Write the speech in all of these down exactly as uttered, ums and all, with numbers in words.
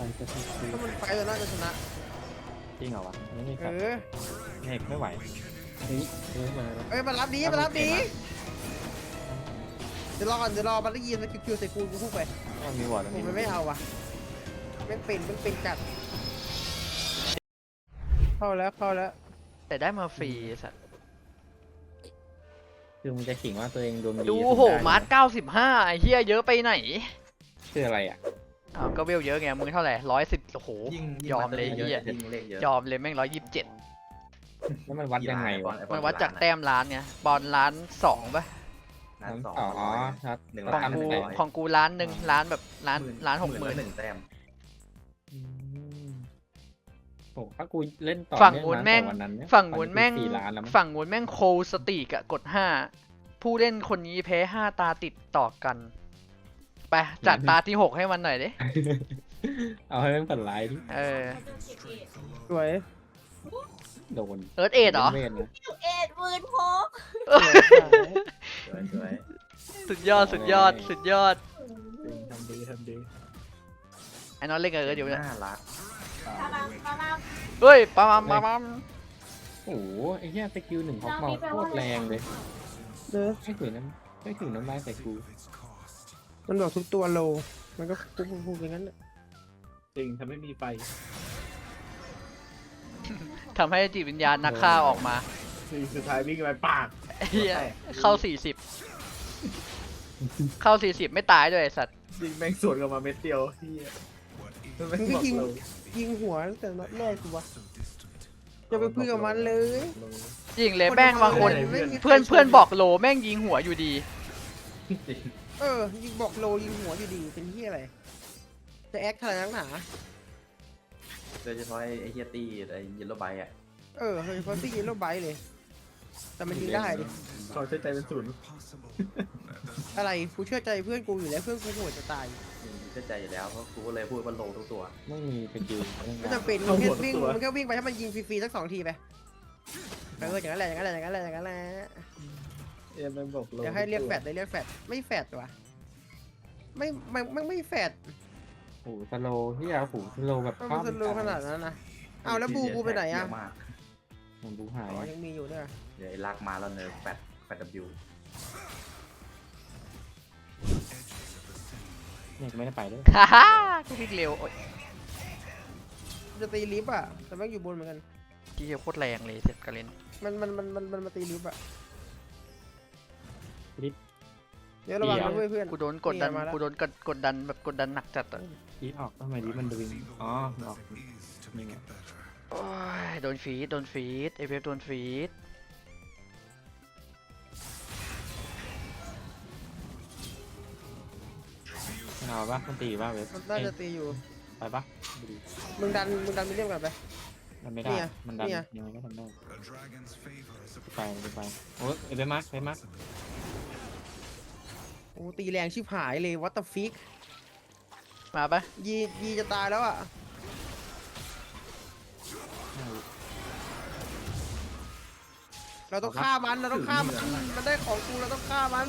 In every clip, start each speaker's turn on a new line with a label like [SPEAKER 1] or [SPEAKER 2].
[SPEAKER 1] จะติด
[SPEAKER 2] ถ้ามันไฟเราน่าจะชนะ
[SPEAKER 1] จริงเหรอวะไม่มี
[SPEAKER 2] เอ
[SPEAKER 1] แฟลช
[SPEAKER 2] อ
[SPEAKER 1] เอกไม่ไหวเฮ้ยเฮ้ยมาแล้ว
[SPEAKER 2] เอ้ยมารับดีมารับดีเดี๋ยวรอก่อนเดี๋ยวรอมันได้ยินแล้วคิวๆใส่กูกูพุ่งไป
[SPEAKER 1] ต้องมีวอร์ดตรง
[SPEAKER 2] ผม
[SPEAKER 1] นี้
[SPEAKER 2] มันไม่เอาว่ะไม่เป็นไม่เป็นจัดเข้าแล้วเข้าแล้ว
[SPEAKER 3] แต่ได้มาฟรีสัตว์
[SPEAKER 1] คือมึงจะขิงว่าตัวเองดวงดี
[SPEAKER 3] ดูโหมาร์ทเก้าสิบห้าไอ้เหี้ยเยอะไปไหน
[SPEAKER 1] คืออะไรอ่ะ
[SPEAKER 3] อ้าวก็เวลเยอะไงมึงเท่าไหร่ร้อยสิบโอ้โห
[SPEAKER 4] ยิ่ง
[SPEAKER 3] ยอมเลย
[SPEAKER 4] เย
[SPEAKER 3] เหี้ย
[SPEAKER 4] อะยิ่งเลขเยอะ
[SPEAKER 3] ยอมเลยแม่งร้อยยี่สิบเจ็ด
[SPEAKER 1] แล้วมันวัดยังไงวะ
[SPEAKER 3] มันวัดจากแต้มล้านไงบอลล้านสองป่ะ
[SPEAKER 4] ล้านสอง
[SPEAKER 1] อ๋อ
[SPEAKER 4] ร้อย
[SPEAKER 1] ครับ
[SPEAKER 4] หนึ่ง
[SPEAKER 3] ของ
[SPEAKER 4] ล้าน
[SPEAKER 3] กู
[SPEAKER 4] หนึ่งร้อย
[SPEAKER 3] ของกูล้านหนึ่งล้านแบบล้านล้านหกหมื่น
[SPEAKER 4] หนึ่งแต้ม
[SPEAKER 1] อืมโหถ้ากูเล่นต่อ
[SPEAKER 3] ฝั่ง
[SPEAKER 1] เนื่
[SPEAKER 3] นู้
[SPEAKER 1] อน
[SPEAKER 3] แม่ง
[SPEAKER 1] ตั้แต่วันนั้นเนี่ย
[SPEAKER 3] ฝั่งนู้นแม่ง
[SPEAKER 1] สี่ล้านแล้วมั้ง
[SPEAKER 3] ฝั่งนู้นแม่งโคสติกอะกดห้าผู้เล่นคนนี้แพ้ห้าตาติดต่อกันไปจัดตาที่หกให้มันหน่อยดิ
[SPEAKER 1] เอาให้มันฝันร้ายดิ
[SPEAKER 3] เออ
[SPEAKER 2] สวย
[SPEAKER 1] โดน
[SPEAKER 3] เอิร์ธเอ็ดเหรอ
[SPEAKER 1] เวทนะ
[SPEAKER 5] เอ็ดหมื่นพก
[SPEAKER 4] สวยสวย
[SPEAKER 3] สุดยอดสุดยอดสุดยอด
[SPEAKER 1] ทำดีทำดี
[SPEAKER 3] ไอ้น้องเล่นกับเอิร์ธอยู่เนี่ย
[SPEAKER 4] น่ารัก
[SPEAKER 5] พลังพลัง
[SPEAKER 3] เฮ้ยปั๊มปั๊มปั๊มปั๊ม
[SPEAKER 1] โอ้โหไอ้เหี้ยสกิลหนึ่งของเมาโคตรแรงเลย
[SPEAKER 2] เด้อ
[SPEAKER 1] ไม่ถึงน้ำไม่ถึงน้ำลายใส่กู
[SPEAKER 2] มันบอกทุกตัวโลมันก็พุ่งพุ่งอย่างนั้นแหละ
[SPEAKER 6] จริงถ้าไม่มีไฟ
[SPEAKER 3] ทำให้จิตวิญญาณนักฆ่าออกมา
[SPEAKER 6] สิ่งสุดท้ายวิ่งไปปาก
[SPEAKER 3] เฮียเข้าสี่สิบเข้าสี่สิบไม่ตายด้วยไอ้สัตว์
[SPEAKER 6] ยิงแม่งสวนกลับมาเม็ดเดียวที่
[SPEAKER 2] มันก็ยิงยิงหัวตั้งแต่นัดแรกกูวะจะไปพึ่งกับมันเลย
[SPEAKER 3] จริงเลยแม่งบางคน
[SPEAKER 2] ไม่มีใคร
[SPEAKER 3] เพื่อนเพื่อนบอกโลแม่งยิงหัวอยู่ดี
[SPEAKER 2] เออยิงบอกโลยิงหัวอยู่ดีเป็นที่อะไรจะแอคอะไรนักหนา
[SPEAKER 4] โดยเฉพาะไอ้เฮียตี้ไอ้เยลโล่ไบต์อ่ะ
[SPEAKER 2] เออเฮ้ยเพราะที่ยิงโลไบต์เลย แต่มันยิงได้ดิ
[SPEAKER 6] เขาใช้ใจเป็นศูนย์
[SPEAKER 2] อะไรกูเชื่อใจเพื่อนกูอยู่แล้วเพื่อนกูโหดจะตาย
[SPEAKER 4] เชื่อใจอยู่แล้วเพราะกูก็เลยพูดว่าโลทุกตัว
[SPEAKER 1] ไม่มีสกิล
[SPEAKER 2] ไม่จำเป็นมึงแค่วิ่งมึงแค่วิ่งไปให้มันยิงฟรีๆสักสองทีไปเอออย่างนั้นแหละอย่างนั้นแหละอย่างนั้นแหละอย่างนั้นแหละ
[SPEAKER 6] เอ็มมันบอกโล
[SPEAKER 2] เดี๋ยวให้เรียกแฟดเลยเรียกแฟดไม่แฟดวะไม่ไม่ไม่ไม่แฟด
[SPEAKER 1] โอ้โหสโลว์ที่ยาหูสโลว์แบบ
[SPEAKER 2] มันสโลว์ขนาดนั้นนะเอาแล้วบูกูไปไหนอะ
[SPEAKER 4] เยมาก
[SPEAKER 1] มันดูหาย
[SPEAKER 2] อ๋อยังมีอยู่เนี่ย
[SPEAKER 4] เดี๋ยวไอ้ลากมาแล้วเนอะแปดแปด W
[SPEAKER 1] เนี่ยไม่ได้ไปด้วย
[SPEAKER 3] ฮ่าฮ่ากูวิ่งเร็วโอ๊ย
[SPEAKER 2] จะตีลิฟต์อะแต่แม่งอยู่บนเหมือนกัน
[SPEAKER 3] ที่โคตรแรงเลยเจ็บกระเล่น
[SPEAKER 2] มันมันมันมันมันมาตีลิฟต์อะ
[SPEAKER 1] ลิฟต์
[SPEAKER 2] เดี๋ยวระวังนะเว้ยเพื่อน
[SPEAKER 3] กูโดนกดดัน
[SPEAKER 2] นี่ไงมาแล้ว
[SPEAKER 3] กูโดนกดกดดันแบบกดดันหนักจัดอะ
[SPEAKER 1] ลิฟต์ออกทำไมลิฟต์มันดึงอ๋อมันออกนี่ไง
[SPEAKER 3] โอ้ยโดนฟีดโดนฟีดเอฟเอฟโดนฟีด
[SPEAKER 1] มันเอาปะมันตีปะเว็บ
[SPEAKER 2] มันน่าจะตีอยู่
[SPEAKER 1] ไปปะ
[SPEAKER 2] มึงดันมึงดันมิเลียมกันไป
[SPEAKER 1] มันไม่ได้
[SPEAKER 2] เนี่ย
[SPEAKER 1] มันดัน
[SPEAKER 2] เนี่ย
[SPEAKER 1] ยังไงก็ทำได้ไปไปไปโอ้ยเอ้ยไปมาร์คไปมาร์ค
[SPEAKER 2] โอ้ตีแรงชิบหายเลยวัตต์ฟิก
[SPEAKER 3] มาปะ
[SPEAKER 2] ยียีจะตายแล้วอะเราต้องฆ่ามันเราต้องฆ่ามันมันได้ของกูเราต้องฆ่ามัน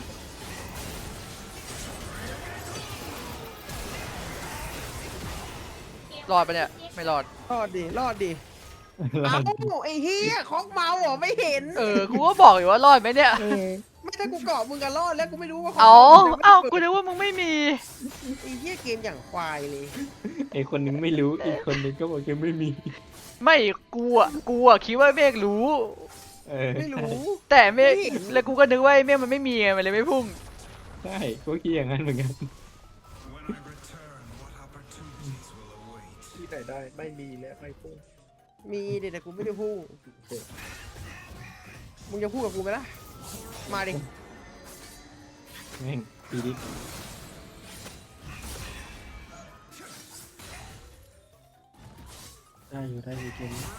[SPEAKER 3] รอดปะเนี่ยไม่รอด
[SPEAKER 2] รอดดิรอดดิเอ้าไอ้เฮียของเมาเหรอไม่เห็น
[SPEAKER 3] เออกูก็บอกอยู่ว่ารอดไหมเนี่ย
[SPEAKER 2] ไม่ถ้ากูเกาะมึงก็รอดแล้วกูไม่รู้ว่าขง
[SPEAKER 3] เอา
[SPEAKER 2] มึง
[SPEAKER 3] เอ้า
[SPEAKER 2] ยัง
[SPEAKER 3] กู
[SPEAKER 2] ไม่ได้
[SPEAKER 3] นึกว่ามึงไม่มี
[SPEAKER 2] ไอ้เฮียเกมอย่างควายเลย
[SPEAKER 1] ไอคนนึงไม่รู้อีกคนนึงก็บอกยังไม่มี
[SPEAKER 3] ไม่กูอ่ะกูอ่ะคิดว่าเมฆรู้
[SPEAKER 1] เออ
[SPEAKER 2] ไม่รู้
[SPEAKER 3] แต่เมฆ
[SPEAKER 2] ไม่
[SPEAKER 3] แล้วกูก็นึกว่าไอ้เมฆมันไม่มีไงมันเลยไม่พุ่ง
[SPEAKER 1] ใช่กูคิดอย่างนั้นเหมือนกัน
[SPEAKER 6] ที่ไหนได้ไม่มีและไม่พูด
[SPEAKER 2] มีเด็แต่กูไม่ได้พูดมึงจะพูดกับกูไหมล่ะมาดิ
[SPEAKER 1] แม่งตีดิได้อยู่ได้อยู่เกมนี้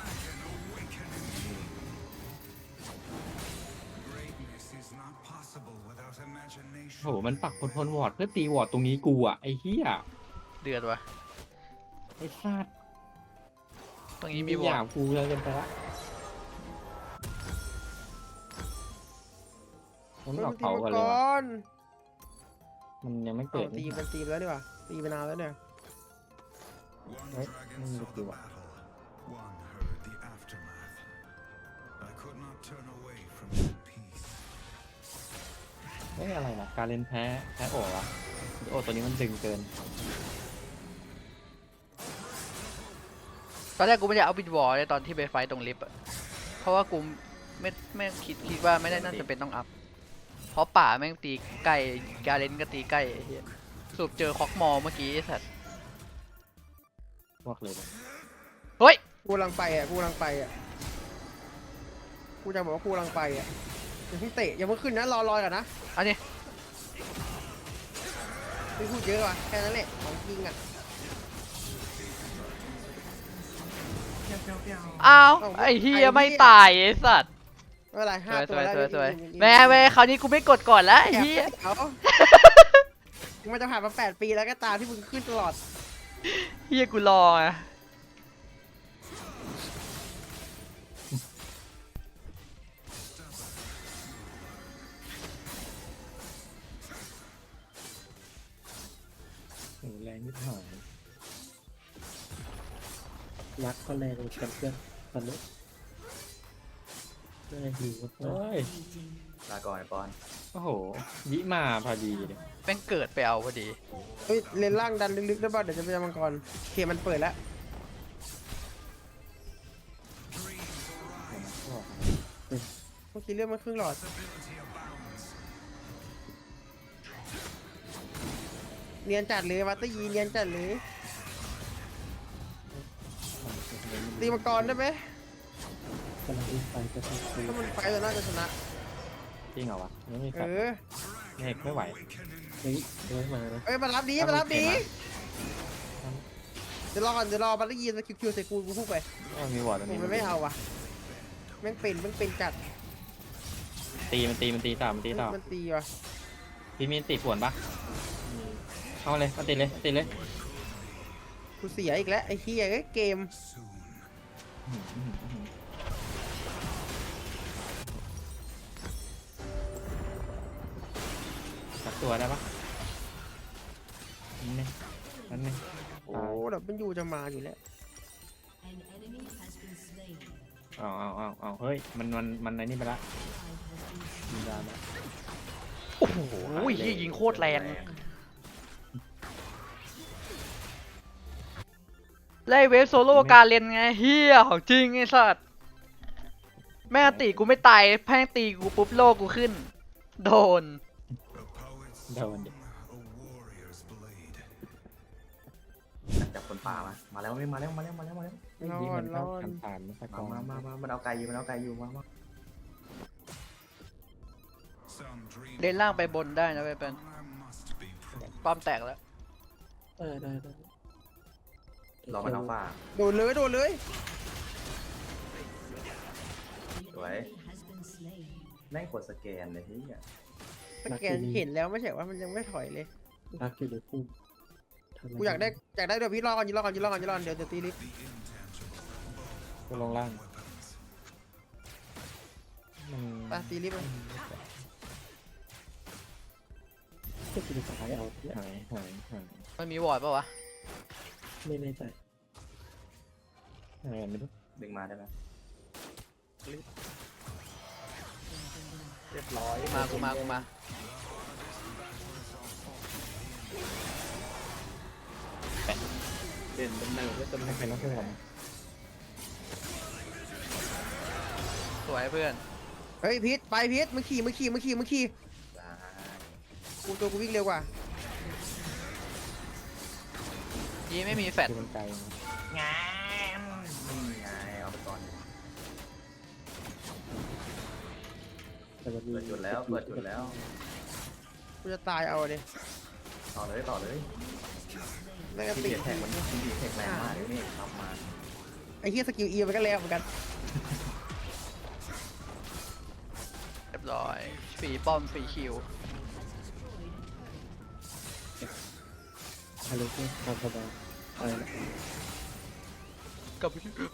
[SPEAKER 1] โหมันปักคนทนวอร์ดเพื่อตีวอร์ดตรงนี้กูอ่ะไอ้เหี้ย
[SPEAKER 3] เดือดวะ
[SPEAKER 1] ไอ้ซาด
[SPEAKER 3] ตรงนี้มี
[SPEAKER 1] มี
[SPEAKER 3] บ
[SPEAKER 1] อ
[SPEAKER 3] อล
[SPEAKER 1] ย่างกูแล้วกันไปละมันหลอกเขาก่อนเลย
[SPEAKER 2] ก่
[SPEAKER 1] ว่ะ
[SPEAKER 2] อน
[SPEAKER 1] มันยังไม่
[SPEAKER 2] เอา
[SPEAKER 1] เกิด
[SPEAKER 2] ตีมันตีไปแล้วดีกว่าตีไปนานแล้วเนี่ย
[SPEAKER 1] เฮ้ยไม่มีสกิลอ่ะ
[SPEAKER 7] One heard the aftermath. I could not turn away from that peace.
[SPEAKER 1] เฮ้ยอะไรนะการเล่นแพ้แพ้โอ๋วะโอ้ตัวนี้มันดึงเกิน
[SPEAKER 3] ตอนแรกกูไม่ได้เอาบิดวอลเลยตอนที่ไปไฟต์ตรงลิฟต์อะเพราะว่ากูไม่ไม่คิดคิดว่าไม่ได้น่าจะเป็นต้องอัพ เพราะป่าแม่งตีใกล้การเลนก็ตีใกล้ไอ้เหี้ยสรุปเจอคอกมอเมื่อกี้ไอ้สัตว์
[SPEAKER 1] พวกเลยนะ
[SPEAKER 3] เฮ้ย
[SPEAKER 2] กูกำลังไปอ่ะกูกำลังไปอ่ะกูจะบอกว่ากูกำลังไปอ่ะอย่าเพิ่งเตะอย่าเพิ่งขึ้นนะรอรอก่อนนะ
[SPEAKER 3] อันนี้
[SPEAKER 2] ไม่พูดเยอะว่ะแค่นั้นแหละของจริงอ่ะ
[SPEAKER 3] อ้าวไอ้เฮียไม่ตายไอ้สัตว์
[SPEAKER 2] ไม่เป็นไร
[SPEAKER 3] ส
[SPEAKER 2] ห้า
[SPEAKER 3] วย
[SPEAKER 2] ตั
[SPEAKER 3] ส
[SPEAKER 2] ว
[SPEAKER 3] วย
[SPEAKER 2] แล้ว
[SPEAKER 3] สวยสวย
[SPEAKER 2] อีก
[SPEAKER 3] แม่แม่คราวนี้กูไม่กดก่อนแล้วไอ้
[SPEAKER 2] อีก
[SPEAKER 3] เฮีย
[SPEAKER 2] เอามันจะผ่านมาแปดปีแล้วก็ตามที่มึงขึ้นตลอด
[SPEAKER 3] เฮียกูรออ่ะ
[SPEAKER 1] โอ้แรงนิดหน่อย
[SPEAKER 6] รักก็แรงกันเพื่อนตอนนี้ได้หิว
[SPEAKER 1] เฮ้ย
[SPEAKER 4] ลาก่อนไอ้ปอน
[SPEAKER 1] โอ้โหยิมาพอดีเลย
[SPEAKER 3] แม่งเกิดไปเอาพอดี
[SPEAKER 2] เฮ้ยเลนล่างดันลึกๆได้ป่ะเดี๋ยวจะไปยังมังกรเขมันเปิดแล้ว เมื่อกี้เรื่องมันครึ่งหลอด เนียนจัดเลยวัตเตอร์ยีเนียนจัดเลยตีมังกรได้ไหม
[SPEAKER 6] กำลังวิ่งไปก็ต้องคุย
[SPEAKER 2] ถ้ามันไฟเราน่าจะชนะ
[SPEAKER 1] จริงเหรอวะไม่มี
[SPEAKER 2] เอ
[SPEAKER 1] สัตว์
[SPEAKER 2] อ
[SPEAKER 1] เมฆไม่ไหว
[SPEAKER 6] เฮ้ยเดินมานะ
[SPEAKER 2] เอ้ยมารับดีมารับดีเดี๋ยวรอก่อนเดี๋ยวรอวัตเตอร์ยีสคิวคิวใส่กูกูพูดไป
[SPEAKER 1] ก็มีวอร์ดตัว
[SPEAKER 2] ผม
[SPEAKER 1] นี้
[SPEAKER 2] มันไม่เอาว่ะแม่งเป็นแม่งเป็นจัด
[SPEAKER 1] ตีมันตีมันตีต่อมันตีต่อ
[SPEAKER 2] มันตีว่ะ
[SPEAKER 1] พี่มีติดส่วนปะเอาเลยเอาติดเลยเอาติดเลย
[SPEAKER 2] กูเสียอีกแล้วไอ้เหี้ยเอ้ยเกม
[SPEAKER 1] อื้อหืออื้อหือสักตัวได้ปะนี่นั่นนี่
[SPEAKER 2] โอ้ดับมันอยู่จะมาอยู่แล้ว
[SPEAKER 1] เอาเอาเอาเอาเฮ้ยมันมันมันในนี่ไปละยิงดาวแล้ว
[SPEAKER 3] โอ้โหเฮียยิงโคตรแรงไล่เวฟโซโล่การเลนไงเฮียของจริงไอ้สัตว์แม่งตีกูไม่ตายแพ่งตีกูปุ๊บโลกูขึ้น โดน
[SPEAKER 7] A poet's
[SPEAKER 1] โดนดิ
[SPEAKER 7] a warrior's blade.
[SPEAKER 4] จับคนป่ามา มาแล้วไม่มาแล้วมาแล้วมาแล้วมาแล้ว
[SPEAKER 1] เมื่อกี้มันเข้ากันผ่านไม่สักก
[SPEAKER 4] มา
[SPEAKER 1] อง
[SPEAKER 4] มามามามันเอาไก่อยู่มันเอาไก่อยู่มามา
[SPEAKER 7] Some dream
[SPEAKER 3] เลนล่างไปบนได้นะเว้ยเป็น
[SPEAKER 7] I must be
[SPEAKER 3] ป้อมแตกแล้ว
[SPEAKER 6] เออได้ได้
[SPEAKER 4] รอมันเอาป่า
[SPEAKER 2] โดนเลยโดนเลย
[SPEAKER 4] สวยแม่งกดสแกนเลยเฮีย
[SPEAKER 2] สแกนเห็นแล้วไม่ใช่ว่ามันยังไม่ถอยเลย
[SPEAKER 6] รักอยู่ในพุ่ม
[SPEAKER 2] กูอยากได้อยากได้เดี๋ยวพี่รอก่อนยืนรอก่อนยืนรอก่อนยืนรอก่อนเดี๋ยวจะตีลิฟต์
[SPEAKER 1] ก็ลงล่างมัน
[SPEAKER 2] ไปตีลิฟต์เลย
[SPEAKER 6] ก็คือสายเอาเนี่ย
[SPEAKER 1] หายหายหาย
[SPEAKER 3] มันมีวอร์ดปะวะ
[SPEAKER 6] ไม่แน่ใจ
[SPEAKER 1] หายไม่รู้
[SPEAKER 4] ดึงมาได้ไหม
[SPEAKER 6] เรียบร้อย
[SPEAKER 3] มากูมากูมา
[SPEAKER 6] เด่นเป็นหนึ่งแล้วจะ
[SPEAKER 1] ไม่
[SPEAKER 6] ไม่
[SPEAKER 1] เป็นนักเพื่อน
[SPEAKER 3] สวยเพื่อน
[SPEAKER 2] เฮ้ยพีทไปพีทมึงขี่มึงขี่มึงขี่มึงขี่
[SPEAKER 4] ได้
[SPEAKER 2] กูตัวกูวิ่งเร็วกว่า
[SPEAKER 3] ยีไม่มีแฟด
[SPEAKER 1] คือมันไกลนะ
[SPEAKER 4] นี่ไงเอาไปก่อน
[SPEAKER 6] แต่มันมี
[SPEAKER 4] เปิดจุดแล้วเปิดจุดแล้ว
[SPEAKER 2] กูจะตายเอาเลย
[SPEAKER 4] ต่อเลยต่อเลย
[SPEAKER 2] แม่งก็
[SPEAKER 4] ที่
[SPEAKER 2] ติ
[SPEAKER 4] เดี
[SPEAKER 2] ด
[SPEAKER 4] ยแท็กมันที่เดียแท็กแรงมากเลยนี่ทำมา
[SPEAKER 2] ไอ้เหี้ยสกิลอีมันก็แล้วเหมือนกัน
[SPEAKER 3] เรียบร้อยฟรีป้อมฟรีคิว
[SPEAKER 6] อะไรก็ทำสบายอะไรนะ
[SPEAKER 3] กับ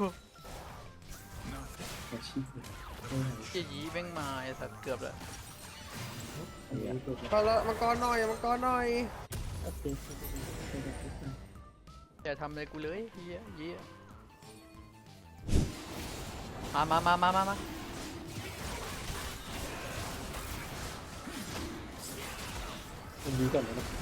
[SPEAKER 6] อาชีพเนี่ยไม่หาย
[SPEAKER 3] เฮียยีแม่งมาไอ้สัตว์เกือบแล้ว
[SPEAKER 6] อันนี้ก็
[SPEAKER 2] พอแล้วมังกรหน่อยมังกรหน่อย
[SPEAKER 6] อัปเดต
[SPEAKER 3] อย่าทำอะไรกูเลยเฮียเฮียมามามามามามา
[SPEAKER 6] มันดีก่อนนะ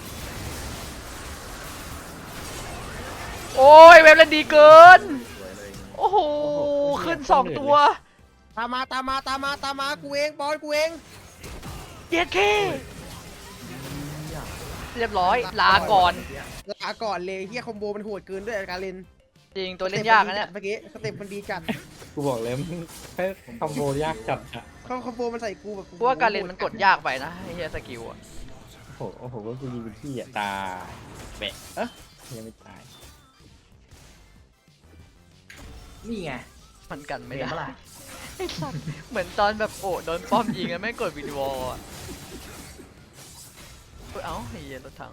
[SPEAKER 3] โอ้ยเว็บเล่นดีเกิน
[SPEAKER 4] สวยเลย
[SPEAKER 3] โอ้โห ขึ้นสองตัว
[SPEAKER 2] ตามมาตามมาตามมาตามมากูเองบอลกูเอง
[SPEAKER 3] เจ็ดเคเรียบร้อย ลาก่อน
[SPEAKER 2] ลาก่อนเลยเฮียคอมโบมันโหดเกินด้วยการเล่น
[SPEAKER 3] จริงตัวเล่นยากนะเนี่ย
[SPEAKER 2] เมื่อกี้สเต็ปมันดีจัด
[SPEAKER 1] กูบอกเลยมันแค่คอมโบยากจัดอะ
[SPEAKER 2] เขาคอมโบมันใส่กูแบบ
[SPEAKER 3] กูว่าการเล่นมันกดยากไปนะไอ้เฮียสกิลอะ
[SPEAKER 1] โอ้โหโอ้โหก็กูยิงไปที่อะตายแบะเอ๊ะยังไม่ตาย
[SPEAKER 4] นี่ไง
[SPEAKER 3] มันกันไม่
[SPEAKER 4] เห็น
[SPEAKER 3] ได้
[SPEAKER 4] ปะล่ะ
[SPEAKER 3] ไอ้สัสเหมือนตอนแบบโอ้โดนป้อมยิงแล้วไม่กดวิดีโออะเอ้ยเอ้าไอ้เฮียรถถัง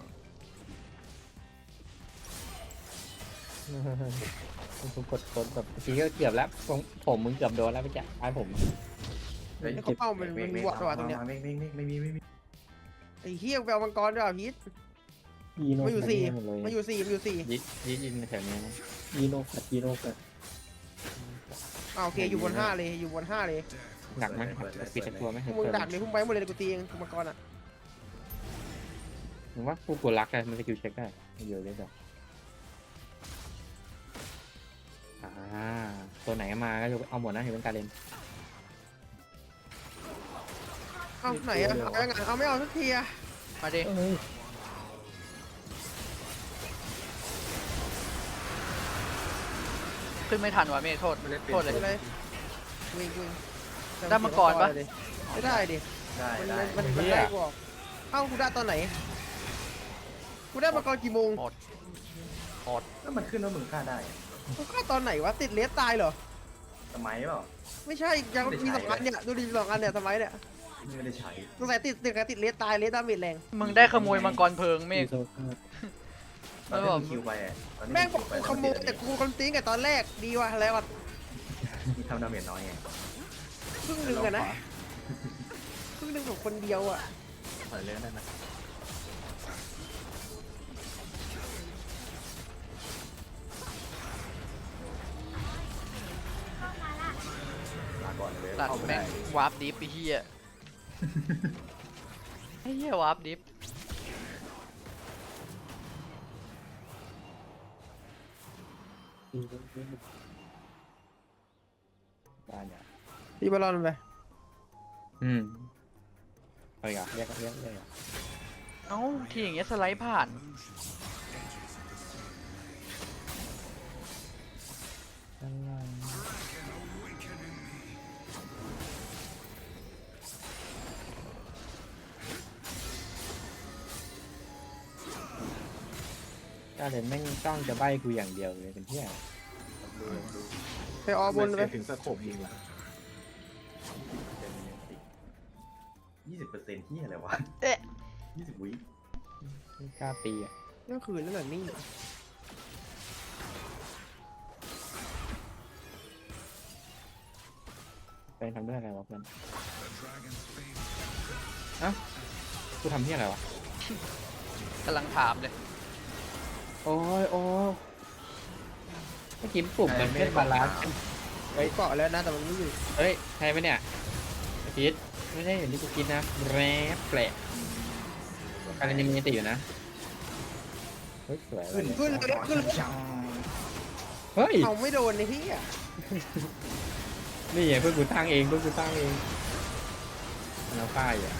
[SPEAKER 1] กูกดกดแบบเมื่อกี้ก็เกือบแล้วผมผมมึงเกือบโดนแล้วไปแกะไอ้ผม
[SPEAKER 4] เฮ้ย
[SPEAKER 2] ไอ้เขาเป้ามันมันวอดตัวตรงเนี้ย
[SPEAKER 4] ไม่ไม่ไม่ไม่มีไม่มี
[SPEAKER 2] ไอ้เฮียไปเอามังกรด้วยอ่ะพีท
[SPEAKER 6] ยีโน
[SPEAKER 2] มาอยู่สี่
[SPEAKER 1] หมดเลย
[SPEAKER 2] มาอยู่สี่มาอยู่สี่
[SPEAKER 1] ยิยิยิงแถวนี้นะ
[SPEAKER 6] ยีโนกัดยีโนกัด
[SPEAKER 2] อ่าโอเคอยู่บนห้าเลยอยู่บนห้าเลย
[SPEAKER 1] หนักไหมปิดตะกัวไหม
[SPEAKER 2] พวกมึงดักเลยพวกมึงไปหมดเลยกูตีเองกูมังกรอ่ะ
[SPEAKER 1] ผมว่ากูกดรักเลยมันสกิลเช็คได้เยอะเลยจ้ะอ่าตัวไหนมาก็จะเอาหมดนะเห็นเป็นการเล่น
[SPEAKER 2] เอาไหนอ่ะเอายังไงเอาไม่เอาสักทีอ่ะ
[SPEAKER 3] มาดิ
[SPEAKER 6] เอ้ย
[SPEAKER 3] ขึ้นไม่ทันว่ะเมฆโทษโทษเลย
[SPEAKER 2] อะไรวิ่งวิ่ง
[SPEAKER 3] ได้มังกรปะ
[SPEAKER 2] ไม่ได้ดิ
[SPEAKER 4] ได้
[SPEAKER 2] มัน
[SPEAKER 4] ได้
[SPEAKER 2] มันมันได้กูออกเอ้ากูได้ตอนไหนกูได้มังกรกี่โมง
[SPEAKER 4] แล้วมันขึ้นว่ามึงฆ่าได้อะ
[SPEAKER 2] กูฆ่าตอนไหนวะติดเลสตายเหรอ
[SPEAKER 4] สมัยเปล่า
[SPEAKER 2] ไม่ใช่ยังมีสองอันเนี่ยดูดิสองอันเนี่ยทำไมเนี่ย
[SPEAKER 4] ไม่ได้ใช้
[SPEAKER 2] สงสัยติดติดติดเลสตายเลสดาเมจแรง
[SPEAKER 3] มึงได้ขโมยมังกรเพลิงเม
[SPEAKER 6] ยี
[SPEAKER 3] ฆ
[SPEAKER 6] โนกัด
[SPEAKER 4] ตอนที่มึงคิวไปอะตอนที่
[SPEAKER 2] แม่ง
[SPEAKER 4] มึ
[SPEAKER 2] บอก
[SPEAKER 4] คิวไป
[SPEAKER 2] กูขโมยแต่กูคอนติ้งกับตอนแรกดีว่ะอะไรวะ
[SPEAKER 4] มีทำดาเมจน้อยไง
[SPEAKER 2] ครึ่งหนึ่งอะนะครึ่งหนึ่งของคนเดียวอะ
[SPEAKER 4] ถอยเรื่องได้ไหมลาก่อนเลย
[SPEAKER 3] ตัด
[SPEAKER 4] เข้าไม่
[SPEAKER 3] แม่ง
[SPEAKER 4] ได้
[SPEAKER 3] วาร์ปดิฟไอ้เฮียไอ้เฮียวาร์ปดิฟ
[SPEAKER 6] ยีโนกัด
[SPEAKER 1] ได้เนี่ย
[SPEAKER 2] ตีบอลลอนไป
[SPEAKER 1] อืมเอาอีกอ่ะเรียกเรียกเรียกอ่ะ
[SPEAKER 3] เอ้าทีอย่างเงี้ยสไลด์ผ่าน
[SPEAKER 1] การเล่นแม่งจ้องจะใบ้กูอย่างเดียวเลยเป็นเที่ย
[SPEAKER 2] ไปออบนไป
[SPEAKER 4] ถึงสโคปยิงละยี่สิบเปอร์เซ็นต์ที่อะไรวะ
[SPEAKER 3] เอ๊ะ
[SPEAKER 4] ยี่สิบวิ
[SPEAKER 1] ไม่กล้าตีอ่ะ
[SPEAKER 2] เรื่องคืนนั่นแหละนี่
[SPEAKER 1] ไปทำด้วยอะไรวะเพื่อนเอ้ากูทำที่อะไรวะ
[SPEAKER 3] กำลังถามเลย
[SPEAKER 1] โอ้ยโอ้ยเมื่อกี้ปุ่มมันไม่ได้บาลานซ์
[SPEAKER 2] ไว้เกาะแล้วนะแต่มันไม่อยู่
[SPEAKER 1] เฮ้ยใช่ไหมเนี่ยไอ้พีทไม่ได้อย่างที่กูคิดนะแรปแปลกการยังมีติอยู่นะเฮ้ยสวยเลย
[SPEAKER 2] ขึ้นเลยขึ้นเลย
[SPEAKER 1] เฮ้ย
[SPEAKER 2] เอาไม่โดนในที่อ่ะ
[SPEAKER 1] นี่ไงเพื่อนกูตั้งเองเพื่อนกูตั้งเองมันเอาป้ายอ่ะ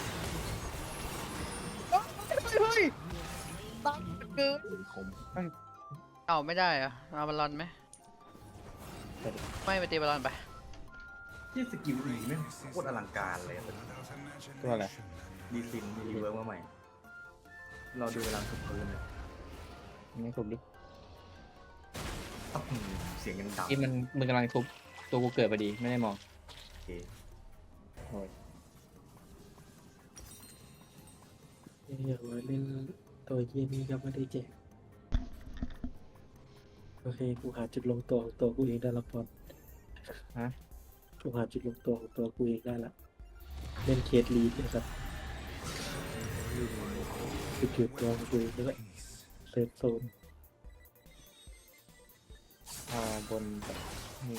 [SPEAKER 2] เฮ้ยตั้งเกิน
[SPEAKER 4] คม
[SPEAKER 3] เอ้าไม่ได้เหรอะเอาบอลลอนไหมไม่ไปตีบอลลอนไป
[SPEAKER 4] ที่สกิลอีไม่งโคตรอลังการเลย
[SPEAKER 1] ตัวอะไร
[SPEAKER 4] ดีซินมีรีเวิร์กมาใหม่ เราดูเวลาสุดพื้นเลย
[SPEAKER 1] ไม่ถูกดิ
[SPEAKER 4] อื้อหือเสียงยังดัง
[SPEAKER 1] ที่มันมึงกำลังทุบตัวกูเกิดพอดีไม่ได้มอง
[SPEAKER 4] โอเค
[SPEAKER 1] โอ้ย
[SPEAKER 6] อยากมาเล่นตัวเยี่ยนี้ก็ไม่ได้แจกโอเคกูหาจุดลงตัวของตัวกูเองได้ละพอ
[SPEAKER 1] ฮะ
[SPEAKER 6] กูหาจุดลงตัวของตัวกูเองได้ละเล่นเคสลีดนะครับจุดจุดตัวของกูเองแล้วก็เซฟโซน
[SPEAKER 1] บนแบบนี่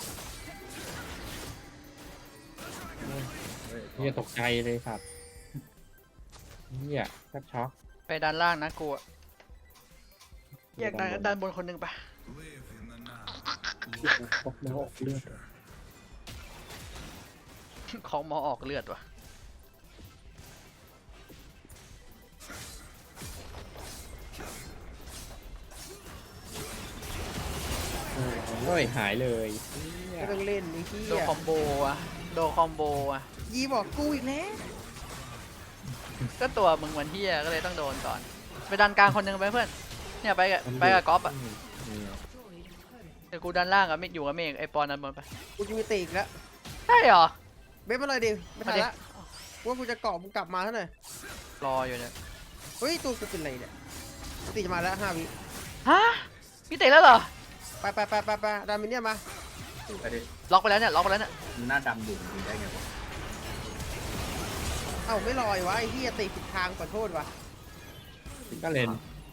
[SPEAKER 4] เฮ้ย
[SPEAKER 1] เฮียตกใจเลยครับเฮียแทบช็อก
[SPEAKER 3] ไปด้านล่างนะกูอะแยกด้านด้านบนคนหนึ่งไป
[SPEAKER 7] Live in the now.
[SPEAKER 6] พกแล้วออกเลือด
[SPEAKER 3] ของหมอออกเลือดว่ะ
[SPEAKER 1] เฮ้ยหายเลยเหี้ย
[SPEAKER 2] ไม่ต้องเล่นไอ้เหี้
[SPEAKER 3] โด
[SPEAKER 2] ย
[SPEAKER 3] คอมโบอะโดคอมโบอะ
[SPEAKER 2] ยีบอกกูอีกแล้ว
[SPEAKER 3] ก็ตัวมึงวันที่ก็เลยต้องโดนก่อน ไปดันกลางคนหนึ่งไปเพื่อน เนี่ยไปกับไปกับก๊อฟอะ
[SPEAKER 1] นี่ไง
[SPEAKER 3] เดี๋ยวกูดันล่างอะไม่อยู่กับเมฆไอปอนดันบนไป
[SPEAKER 2] กูจะมีตีอีกแล้ว
[SPEAKER 3] ใช่เหรอ
[SPEAKER 2] เบ๊บมาเลยดิไม่ทัน
[SPEAKER 3] มาดิ
[SPEAKER 2] ละว่ากูจะเกาะมึงกลับมาเท่าไหร่
[SPEAKER 3] รออยู่เนี่ย
[SPEAKER 2] เฮ้ยตัวกูเป็นไรเนี่ยตีจะมาแล้วห้าวิ
[SPEAKER 3] ฮะพี่เตะแล้วเหรอ
[SPEAKER 2] ไปไปไปไปไปดามินเนี่ยมา
[SPEAKER 4] ไปดิ
[SPEAKER 3] ล็อกไปแล้วเนี่ยล็อกไปแล้วเนี่ย
[SPEAKER 4] มึงหน้าดำอยู่มึงได้ไงวะ
[SPEAKER 2] เอ้าไม่ลอยวะไอ้เหี้ยตีผิดทางขอโทษวะ
[SPEAKER 1] ก็เล่น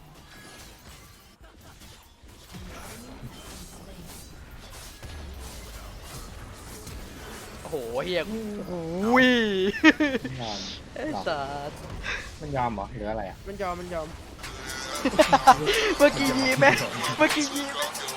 [SPEAKER 3] โอ้โหเฮียอุ้ย
[SPEAKER 1] ยอม
[SPEAKER 3] ไอ้สัส
[SPEAKER 1] มันยอมเหรอหรืออะไรอ่ะ
[SPEAKER 2] มันยอมมันยอม
[SPEAKER 3] เมื่อกี้ยีไหมเมื่อกี้ยีไหม